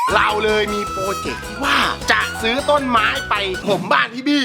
เราเลยมีโปรเจกต์ที่ว่าจะซื้อต้นไม้ไปผมบ้านพี่บี้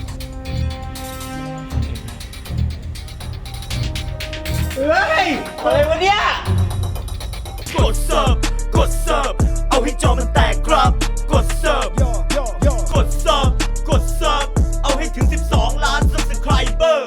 เฮ้ยอะไรวะเนี่ยกดเสิร์ฟเอาให้จอมันแตกครับกดเสิร์ฟเอาให้ถึง12 ล้าน Subscriber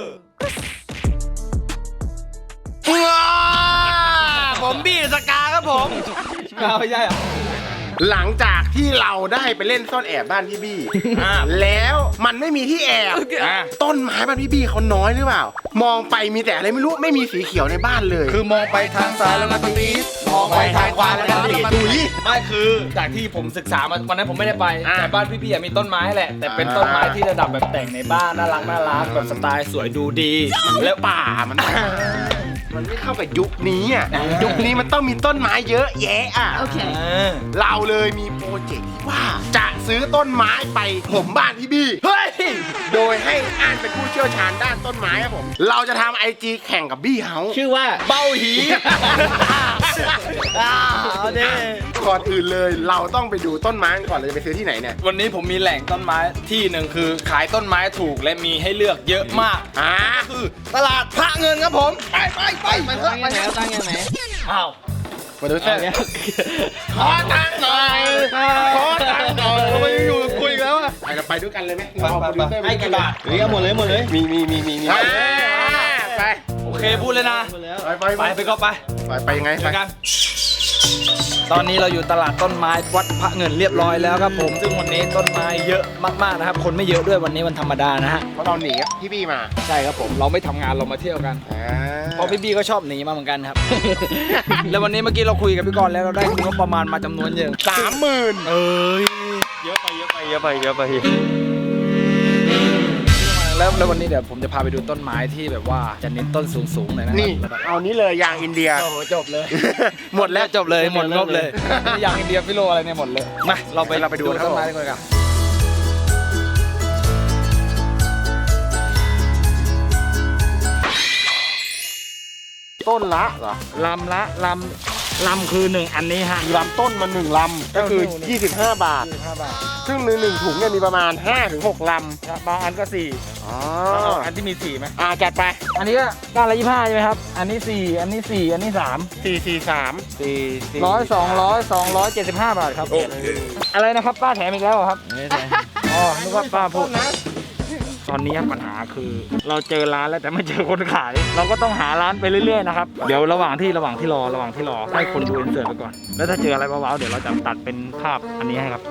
ผมบี้สกาครับผมไม่ใช่อ่ะหลังจากที่เราได้ไปเล่นซ่อนแอบบ้านพี่บี้แล้วมันไม่มีที่แอบต้นไม้บ้านพี่บี้เขาน้อยหรือเปล่า มองไปมีแต่อะไรไม่รู้ไม่มีสีเขียวในบ้านเลยคือมองไปทางซ้ายแล้วก็ตีดมองไปทางขวาแล้วก็ตีดดุยไม่คือจากที่ผมศึกษามาวันนั้นผมไม่ได้ไปแต่บ้านพี่ๆมีต้นไม้แหละแต่เป็นต้นไม้ที่ระดับแบบแต่งในบ้านน่ารักแบบสไตล์สวยดูดีแล้วป่ามันไม่เข้ากับยุคนี้อ่ะยุคนี้มันต้องมีต้นไม้เยอะแยะอ่ะเราเลยมีโปรเจกต์ที่ว่าจะซื้อต้นไม้ไปผมบ้านพี่บี้เฮ้ยโดยให้อ่านเป็นผู้เชี่ยวชาญด้านต้นไม้ครับผมเราจะทำ IG แข่งกับบี้เฮาชื่อว่าเบ้าหีเอาดิก่อนอื่นเลยเราต้องไปดูต้นไม้ก่อนเราจะไปซื้อที่ไหนเนี่ยวันนี้ผมมีแหล่งต้นไม้ที่หนึ่งคือขายต้นไม้ถูกและมีให้เลือกเยอะมากคือตลาดพระเงินครับผมไปมันเถอะไปแล้วตั้งยังไงอ้าวมาดูเส้นขอตังค์หน่อยเราไปอยู่คุยแล้วอะไปด้วยกันเลยไหมให้กี่บาทหรือหมดเลยมีไปโอเคพูดเลยนะไปก็ไปยังไงไปกันตอนนี้เราอยู่ตลาดต้นไม้วัดพระเงินเรียบร้อยแล้วครับผมซึ่งวันนี้ต้นไม้เยอะมากๆนะครับคนไม่เยอะด้วยวันนี้วันธรรมดานะฮะเพราะเราหนีพี่บี้มาใช่ครับผมเราไม่ทำงานเรามาเที่ยวกันเพราะพี่บี้ก็ชอบหนีมาเหมือนกันครับ แล้ววันนี้เมื่อกี้เราคุยกับพี่กรณ์แล้วเราได้งบประมาณมาจำนวนเยอะ 30,000 เยอะไปแล้ววันนี้เดี๋ยวผมจะพาไปดูต้นไม้ที่แบบว่าจะเน้นต้นสูงๆหน่อยนะนี่เอานี้เลยยางอินเดียโอ้จบเลยหมดแล้วจบเลยหมดงบเลยยางอินเดียฟิโลอะไรเนี่ยหมดเลยมาเราไปดูต้นไม้กันต้นละเหรอลำคือ1อันนี้ฮะลำต้นมัน1ลำก็คือ25 บาทซึ่งหนึ่งถุงเนี่ยมีประมาณ 5-6 ลำบางอันก็4อันที่มี4ไหมจัดไปอันนี้ก็ก้านละ25ใช่ไหมครับอันนี้4อันนี้4อันนี้3 275 บาทครับอะไรนะครับป้าแถมอีกแล้วครับนึกว่าป้าพูดนะตอนนี้ปัญหาคือเราเจอร้านแล้วแต่ไม่เจอคนขายเราก็ต้องหาร้านไปเรื่อยๆนะครับเดี๋ยวระหว่างที่รอให้คนดูอินเสิร์ตไปก่อนแล้วถ้าเจออะไรว้าวๆเดี๋ยวเราจะตัดเป็นภาพอันนี้ให้ครับ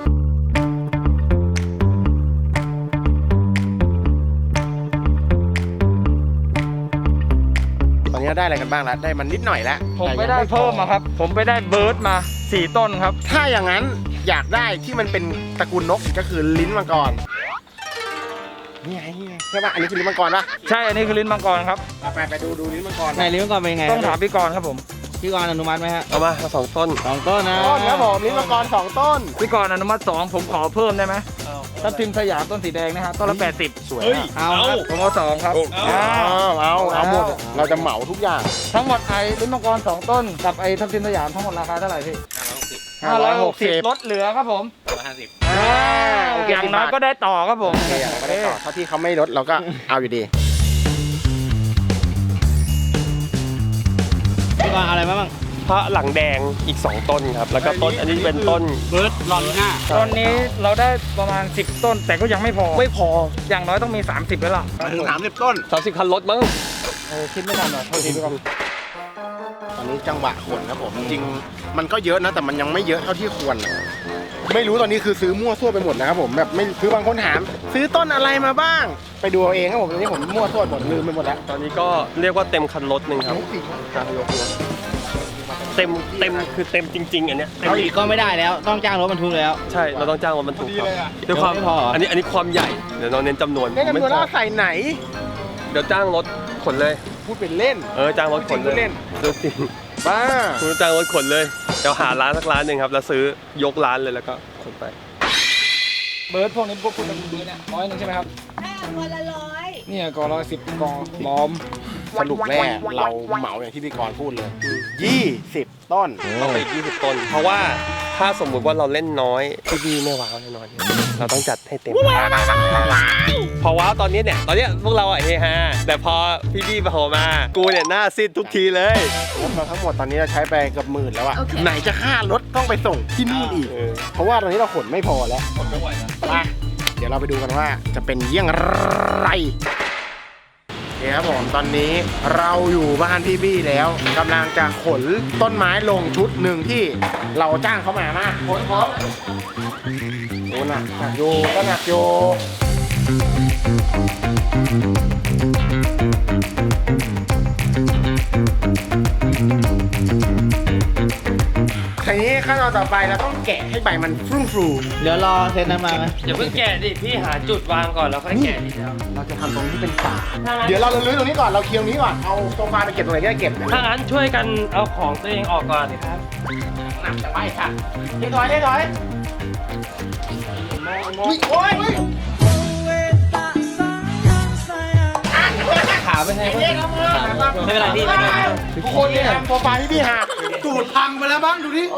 ตอนนี้ได้อะไรกันบ้างแล้วได้มันนิดหน่อยแล้วผมไปได้เพิ่มมาครับผมไปได้เบิร์ดมา4ต้นครับถ้าอย่างนั้นอยากได้ที่มันเป็นตระกูลนกก็คือลิ้นมังกรนี่ไงใช่ป่ะอันนี้คือลิ้นมังกรป่ะใช่อันนี้คือลิ้นมังกรครับไปดูลิ้นมังกรไหนลิ้นมังกรเป็นไงต้องถามพี่กรณ์ครับผมพี่กรณ์อนุมัติไหมฮะเอามา2 ต้นนะครับผมลิ้นมังกร2 ต้นพี่กรณ์อนุมัติ2ผมขอเพิ่มได้ไหมทับทิมสยามต้นสีแดงนะฮะต้นละ80 สวยเอาผมเอา2ครับเอาหมดเราจะเหมาทุกอย่างทั้งหมดไอ้ลิ้นมังกร2 ต้นกับไอ้ทับทิมสยามทั้งหมดราคาเท่าไหร่พี่560ลดเหลือครับผม150อย่างน้อยก็ได้ต่อครับผมไม่ได้ต่อเท่าที่เขาไม่ลดเราก็เอาอยู่ดีพี่กรณ์อะไรบ้างพระหลังแดงอีก2 ต้นครับแล้วก็ต้นอันนี้เป็นต้นเบิร์ดลอนหน้าต้นนี้เราได้ประมาณ10 ต้นแต่ก็ยังไม่พออย่างน้อยต้องมี30แล้วล่ะถึง30 ต้น 30 คันรถมั้งคิดไม่ทันหรอโทษทีพี่กรณ์ตอนนี้จังหวะขนครับผมจริงมันก็เยอะนะแต่มันยังไม่เยอะเท่าที่ควรไม่รู้ตอนนี้คือซื้อมั่วซั่วไปหมดนะครับผมแบบไม่คือบางคนถามซื้อต้นอะไรมาบ้างไปดูเอาเองครับผมตอนนี้ผมมั่วซั่วหมดลืมไปหมดแล้วตอนนี้ก็เรียกว่าเต็มคันรถนึงครับเต็มคือเต็มจริงๆอันเนี้ยเอาอีกก็ไม่ได้แล้วต้องจ้างรถบรรทุกแล้วใช่เราต้องจ้างรถบรรทุกครับด้วยความอันนี้ความใหญ่เดี๋ยวเราเน้นจำนวนว่าใส่ไหนเดี๋ยวจ้างรถขนเลยพูดเป็นเล่นจ้างรถขนเลยจริงบ้าคุณจ้างรถขนเลยเดี๋ยวหาร้านสักร้านหนึ่งครับแล้วซื้อยกร้านเลยแล้วก็ขนไปเบิร์ดพวกนี้พวกคุณเป็นเบิร์ดเนี่ย100ใช่ไหมครับคนละ100 เนี่ยกอ110กอล้อมสรุปแรกเราเหมาอย่างที่พี่กรณ์พูดเลย 20 ต้นต้องไป20 ต้น เพราะว่าถ้าสมมุติว่าเราเล่นน้อยพี่บีไม่ว้าวแน่นอนเราต้องจัดให้เต็มพอว้าวตอนนี้พวกเราอะเฮฮาแต่พอพี่บีโผล่มากูเนี่ยหน้าซีดทุกทีเลยรถเราทั้งหมดตอนนี้เราใช้ไปเกับหมื่นแล้วอะไหนจะค่ารถต้องไปส่งที่นู่นอีก เพราะว่าตอนนี้เราขนไม่พอแล้วไปเดี๋ยวเราไปดูกันว่าจะเป็นเยี่ยงไรโอเคครับผมตอนนี้เราอยู่บ้านพี่บี้แล้วกำลังจะขนต้นไม้ลงชุดหนึ่งที่เราจ้างเขามาขนพร้อมโอ้หนักโยก็หนักโยทีนี้ขั้นตอนต่อไปเราต้องแกะให้ใบมันฟรุ้งฟรูเดี๋ยวรอเซนนั้นมาไหมอย่าเพิ่งแกะดิพี่หาจุดวางก่อนแล้วค่อยแกะทีเดียวเราจะทำตรงนี้เป็นป่าเดี๋ยวเราลื้อตรงนี้ก่อนเราเคลียร์ตรงนี้ก่อนเอาโซฟาไปเก็บตรงไหนก็ได้เก็บถ้างั้นช่วยกันเอาของตัวเองออกก่อนครับหนักแต่ไปค่ะเรียบร้อยโอ้ยขาไปให้ไม่เป็นไรพี่ทุกคนเนี่ยโซฟาที่พี่หักตูดพังไปแล้วบ้างดูดิ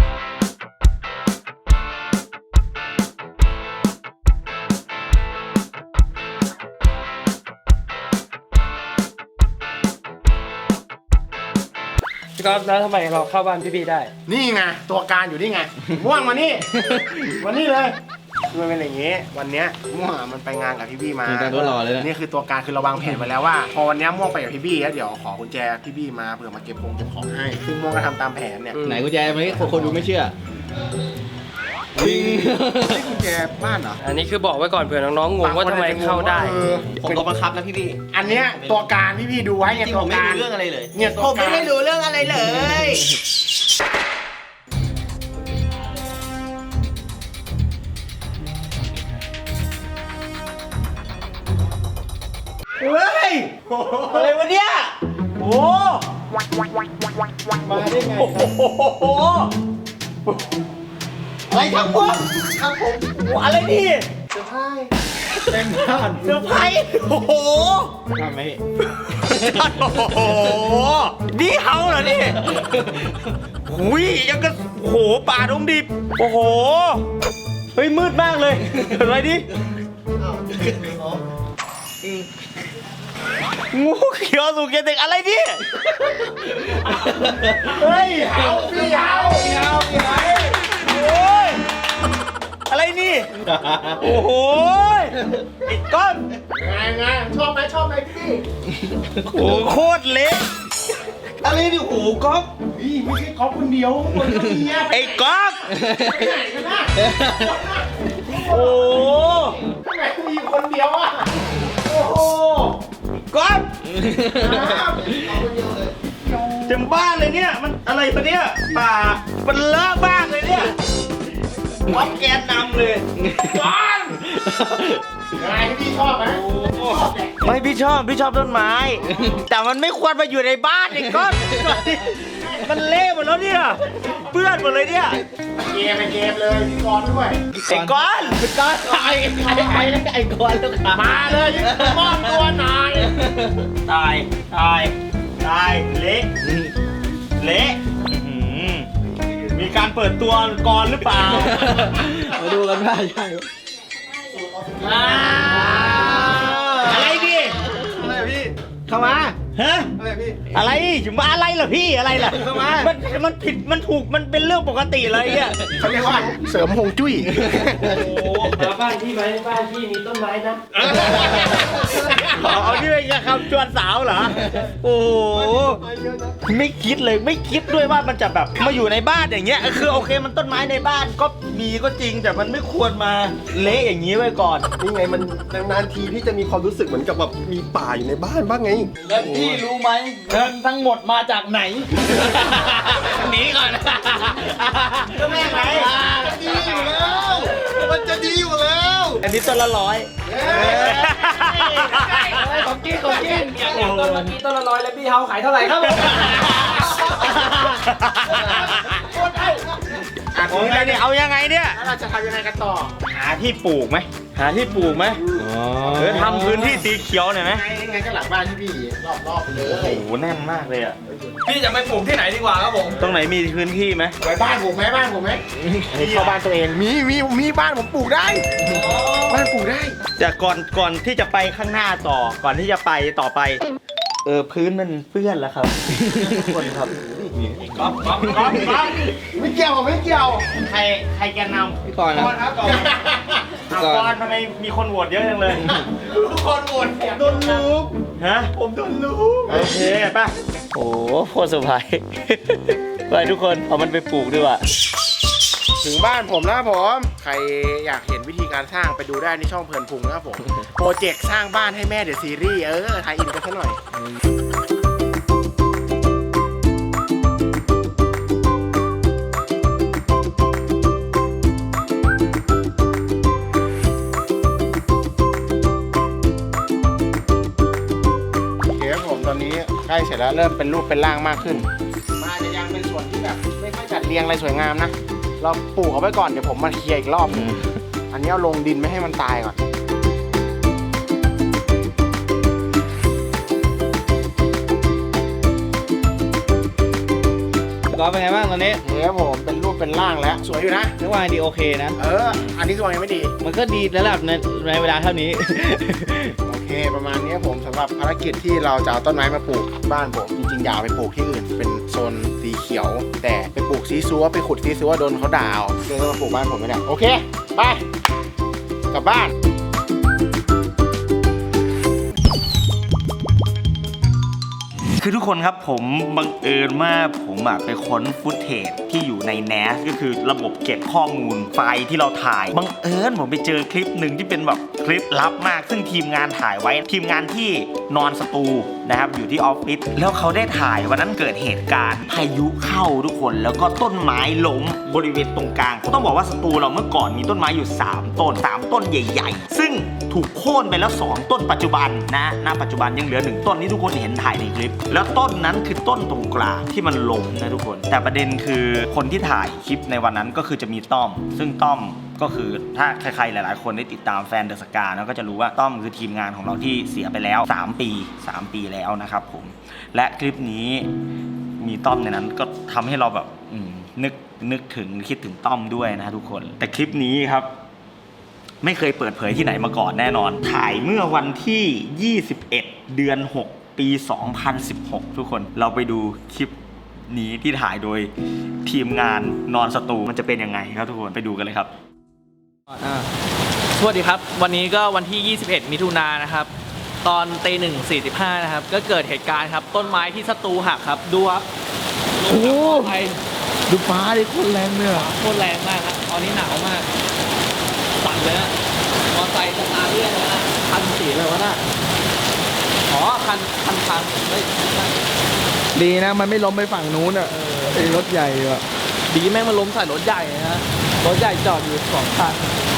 พี่ก๊อฟแล้วทำไมเราเข้าบ้านพี่บีได้นี่ไงตัวการอยู่นี่ไงม่วงมานี่วันนี้เลยคือมันเป็นอย่างงี้วันเนี้ยม่วงมันไปงานกับพี่บี้มาแต่ตัวรอเลยนะนี่คือตัวการคือเราวางแผนไว้แล้วว่าพอวันเนี้ยม่วงไปกับพี่บี้แล้วเดี๋ยวขอกุญแจพี่บี้มาเผื่อมาเก็บของให้ซึ่งม่วงก็ทำตามแผนเนี่ยไหนกุญแจไม่คนดูไม่เชื่อนี่กุญแจบ้านเหรออันนี้คือบอกไว้ก่อนเผื่อน้องๆงงว่าทำไมเข้าได้ผมก็บังคับนะพี่อันเนี้ยตัวการพี่บี้ดูไว้ไงตัวการเรื่องอะไรเลยเนี่ยตัวการไม่รู้เรื่องอะไรเลย เฮ้ย อะไรวะเนี่ย โอ้มาได้ไงอะไรครับพวกครับผมอะไรนี่เซอร์ไพรส์เต็มบ้านเซอร์ไพรส์โอ้โหทำไหมโอ้โหนี่เฮาเหรอนี่หุยยังก็โอ้โหป่าดงดิบโอ้โหเฮ้ยมืดมากเลยอะไรดิงูเขียวสุกเกเด็กอะไรดิเฮ้ยเอาพี่เอาโอ้ยอะไรนี่โอ้โหไอ้ก้อนไงชอบไหมพี่โอ้โคตรเละอะไรดิโอ้โหก๊อฟพี่ไม่ใช่ก๊อฟคนเดียวคนก็มีไอ้ก๊อฟไปไหนกันนะโอ้ทำไมมีคนเดียวอ่ะโอ้โหก๊อฟเต็มบ้านเลยเนี่ยมันอะไรปะเนี่ยป่ามันเลอะบ้านเลยเนี่ยก๊อฟแกนนำเลยก๊อฟไงพี่ชอบไหมไม่พี่ชอบต้นไม้แต่มันไม่ควรมาอยู่ในบ้านไอ้ก๊อฟมันเละหมดแล้วเนี่ยเปื้อนหมดเลยเนี่ยเกมเลยพี่กรณ์ด้วยไอ้กรณ์ไอ้กรณ์ลูกค้ามาเลยยิ่งมอบตัวหน่อยตายเละมีการเปิดตัวก่อนหรือเปล่ามาดูกันว่าใช่อะไรดิอะไรพี่เข้ามาฮะอะไรพี่อะไรถึงมาอะไรเหรอพี่อะไรล่ะเข้ามามันผิดมันถูกมันเป็นเรื่องปกติเลยอ่ะเขาเรียกว่าเสริมฮวงจุ้ยโอ้มาบ้านพี่ไหมบ้านพี่มีต้นไม้นะเอาที่เป็นคำชวนสาวเหรอโอ้ไม่คิดเลยไม่คิดด้วยว่ามันจะแบบมาอยู่ในบ้านอย่างเงี้ยคือโอเคมันต้นไม้ในบ้านก็มีก็จริงแต่มันไม่ควรมาเละอย่างนี้ไว้ก่อนนี่ไงมันนานๆทีพี่จะมีความรู้สึกเหมือนกับแบบมีป่าอยู่ในบ้านบ้างไงแล้วพี่รู้ไหมเงินทั้งหมดมาจากไหนหนีก่อนก็แม่ไงมันจะดีอยู่แล้วอันนี้ต้นละ100ของกินอย่างต้นเมื่อกี้ต้นละ100แล้วพี่เฮาขายเท่าไหร่ครับเอายังไงเนี่ยเราจะทำยังไงกันต่อหาที่ปลูกไหมทำพื้นที่สีเขียวหน่อยไหมไงก็หลังบ้านที่พี่รอบๆไปเลยโอ้โหแน่นมากเลยอ่ะพี่จะไปปลูกที่ไหนดีกว่าครับผมตรงไหนมีพื้นที่ไหมไปบ้านผมไหมบ้านผมไหมเข้าบ้านตัวเองมีบ้านผมปลูกได้บ้านปลูกได้แต่ก่อนที่จะไปข้างหน้าต่อ ก่อนที่จะไปต่อไป พื้นมันเปื้อนแล้วครับทุกคนครับก๊อฟไม่เกี่ยวผมไม่เกี่ยวใครแกนนำพี่ก่อนนะครับก่อนทำไมมีคนโหวตเยอะจังเลยทุกคนโหวตโดนลูกฮะผมโดนลูกโอเคป่ะ โอ้โคตรเซอร์ไพรส์ไปทุกคนเอามันไปปลูกดีกว่าถึงบ้านผมแล้วผม ใครอยากเห็นวิธีการสร้างไปดูได้ในช่องเพลินพุงนะครับผม โปรเจกต์สร้างบ้านให้แม่เดี๋ยวซีรีส์ไทยอินกันซะหน่อย โอเคครับผมตอนนี้ใกล้เสร็จแล้วเริ่มเป็นรูปเป็นร่างมากขึ้นมันอาจจะยังเป็นส่วนที่แบบไม่ค่อยจัดเรียงอะไรสวยงามนะ เราปลูกเอาไว้ก่อนเดี๋ยวผมมาเคลียร์อีกรอบหนึ่งอันนี้เอาลงดินไม่ให้มันตายก่อนก็เป็นไงบ้างตอนนี้เฮ้ยผมเป็นรูปเป็นร่างแล้วสวยอยู่นะนึกว่าดีโอเคนะอันนี้สวยยังไม่ดีมันก็ดีระดับในเวลาเท่านี้โอเคประมาณนี้ผมสำหรับภารกิจที่เราจะเอาต้นไม้มาปลูกบ้านผมจริงๆอยากเอาไปปลูกที่อื่นเป็นโซนสีเขียว แต่ไปปลูกซีซัวไปขุดซีซัวโดนเขาด่าเอาเลยต้องมาปลูกบ้านผมไม่ได้โอเคไปกลับบ้านคือทุกคนครับผมบังเอิญว่าผมไปค้นฟุตเทจที่อยู่ใน NAS ก็คือระบบเก็บข้อมูลไฟล์ที่เราถ่ายบังเอิญผมไปเจอคลิปหนึ่งที่เป็นแบบคลิปลับมากซึ่งทีมงานถ่ายไว้ทีมงานที่นอนสตูนะครับอยู่ที่ออฟฟิศแล้วเขาได้ถ่ายวันนั้นเกิดเหตุการณ์พายุเข้าทุกคนแล้วก็ต้นไม้ล้มบริเวณตรงกลางต้องบอกว่าสตูเราเมื่อก่อนมีต้นไม้อยู่3ต้น3ต้นใหญ่ๆซึ่งถูกโค่นไปแล้ว2ต้นปัจจุบันนะณปัจจุบันยังเหลือ1ต้นที่ทุกคนเห็นถ่ายในคลิปแล้วต้นนั้นคือต้นตรงกลางที่มันล้มนะทุกคนแต่ประเด็นคือคนที่ถ่ายคลิปในวันนั้นก็คือจะมีต้อมซึ่งต้อมก็คือถ้าใครๆหลายๆคนได้ติดตามแฟนเดอะสกาก็จะรู้ว่าต้อมคือทีมงานของเราที่เสียไปแล้ว3 ปีแล้วนะครับผมและคลิปนี้มีต้อมในนั้นก็ทำให้เราแบบนึกถึงคิดถึงต้อมด้วยนะทุกคนแต่คลิปนี้ครับไม่เคยเปิดเผยที่ไหนมาก่อนแน่นอนถ่ายเมื่อวันที่21เดือน6ปี2016ทุกคนเราไปดูคลิปนี้ที่ถ่ายโดยทีมงานนอนสตูมันจะเป็นยังไงครับทุกคนไปดูกันเลยครับสวัสดีครับวันนี้ก็วันที่ 21 มิถุนายนนะครับตอนตี 1:45 นะครับก็เกิดเหตุการณ์ครับต้นไม้ที่สตูหักครับดูครับโอ้ดูฟ้าดิโคตรแรงเลยโคตรแรงมากครับตอนนี้หนาวมากสั่นเลยนะมอไซค์สตาร์ทเรื่อยเลยนะคันสีเลยวะน่ะอ๋อคันเฮ้ยดีนะมันไม่ล้มไปฝั่งนู้นอ่ะไอ้รถใหญ่อ่ะดีแม่งมาล้มใส่รถใหญ่นะฮะรถใหญ่จอดอยู่2 คัน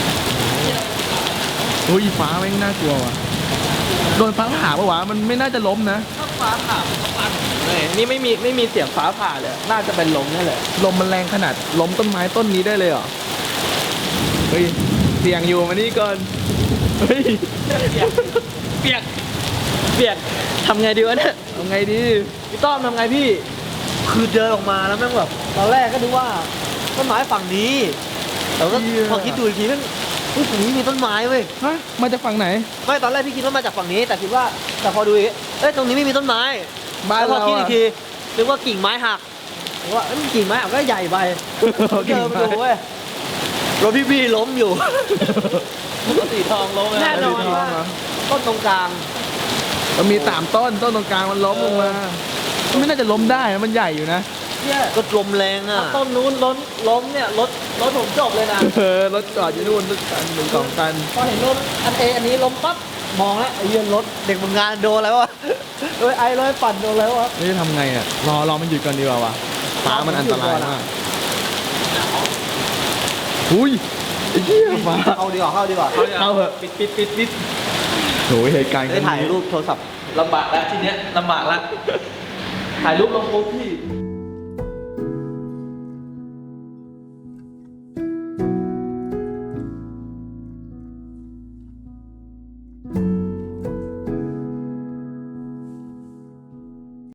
เฮ้ยฟ้าแม่งน่ากลัวว่ะโดนฟ้าผ่าปะวะมันไม่น่าจะล้มนะถ้าฟ้าผ่ามันก็ปันเลยนี่ไม่มีเสียงฟ้าผ่าเลยน่าจะเป็นลมนี่แหละลมมันแรงขนาดล้มต้นไม้ต้นนี้ได้เลยเหรอเฮ้ยเสี่ยงอยู่มานี่ก่อนเฮ้ยเปียกทำไงดีวะเนี่ยทำไงดีพี่ต้อมทำไงพี่คือเดินออกมาแล้วแม่งแบบตอนแรกก็ดูว่าต้นไม้ฝั่งนี้แต่ก็พอคิดดูอีกทีแม่งฝั่งนี้มีต้นไม้เว้ยฮะมาจากฝั่งไหนไม่ตอนแรกพี่คิดว่ามาจากฝั่งนี้แต่คิดว่าแต่พอดูอีกตรงนี้ไม่มีต้นไม้บ้านแล้วพอเราคิดอะอีกทีนึกว่ากิ่งไม้หักนึกว่ากิ่งไม้หักก็ใหญ่ไปเดินมาดูเว้ยรถพี่ล้มอยู่รถสีทองล้มแน่นอนว่าต้นตรงกลางมันมี3 ต้นตรงกลางมันล้มลงมามันไม่น่าจะล้มได้นะมันใหญ่อยู่นะเนี่ยก็ลมแรงอ่ะต้นนู้นล้มเนี่ยรถผมจบเลยนะรถจอดอยู่นู่นรถคัน1-2 คันพอเห็นรถอันนี้ล้มปั๊บมองแล้วไอ้เหี้ยรถเด็กมึงงานโดนอะไรวะไอ้เลยปั่นโดนอะไรวะนี่ทำไงอ่ะรอมันหยุดก่อนดีกว่าวะฟ้ามันอันตรายมากอุ้ยไอ้เหี้ยฟ้าเข้าดีกว่าเข้าเหอะปิดโหเหตุการณ์ได้ถ่ายรูปโทรศัพท์ลำบากแล้วทีเนี้ยลำบากแล้วถ่ายรูปลงโพสพี่